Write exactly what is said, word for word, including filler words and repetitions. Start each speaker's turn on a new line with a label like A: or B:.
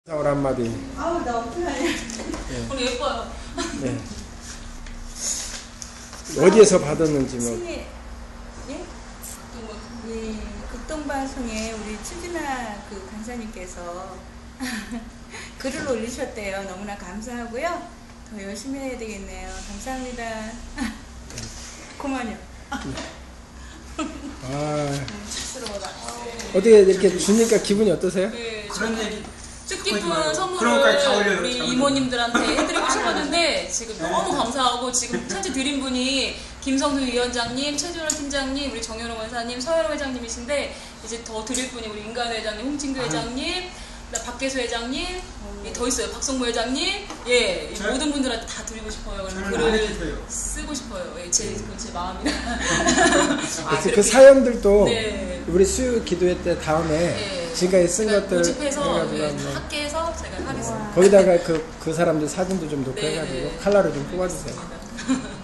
A: 사월 한마디.
B: 아우 나 어떡하냐.
C: 네. 오늘 예뻐요.
A: 네. 어디에서 받았는지 뭐.
B: 승희, 예? 예, 극동방송에 우리 추진아 그 간사님께서 글을 올리셨대요. 너무나 감사하고요. 더 열심히 해야 되겠네요. 감사합니다. 고마워요.
A: 아,
C: 쑥스러워라.
A: 어떻게 이렇게 주니까 기분이 어떠세요?
C: 네,
D: 그런 얘기
C: 뜻깊은
D: 그런 것까지 다
C: 선물을
D: 올려요,
C: 우리
D: 다
C: 이모님들한테 해드리고 싶었는데 지금 너무 감사하고 지금 현재 드린 분이 김성수 위원장님, 최준호 팀장님, 우리 정현호 원사님, 서현호 회장님이신데 이제 더 드릴 분이 우리 인간 회장님, 홍진규 회장님, 박계수 회장님, 예, 더 있어요. 박성무 회장님, 예,
D: 저,
C: 모든 분들한테 다 드리고 싶어요.
D: 저는
C: 글을
D: 안 해주세요.
C: 쓰고 싶어요. 예, 제, 그건 제 마음이라.
A: 아, 그 사연들도
C: 네.
A: 우리 수요 기도회 때 다음에
C: 예.
A: 지금까지 쓴
C: 제가
A: 것들
C: 모집해서
A: 해가지고
C: 예,
A: 한번
C: 학계에서 제가 하겠습니다.
A: 거기다가 그, 그 사람들 사진도 좀 놓고
C: 네,
A: 해가지고
C: 네.
A: 칼라로 좀 뽑아주세요.
C: 알겠습니다.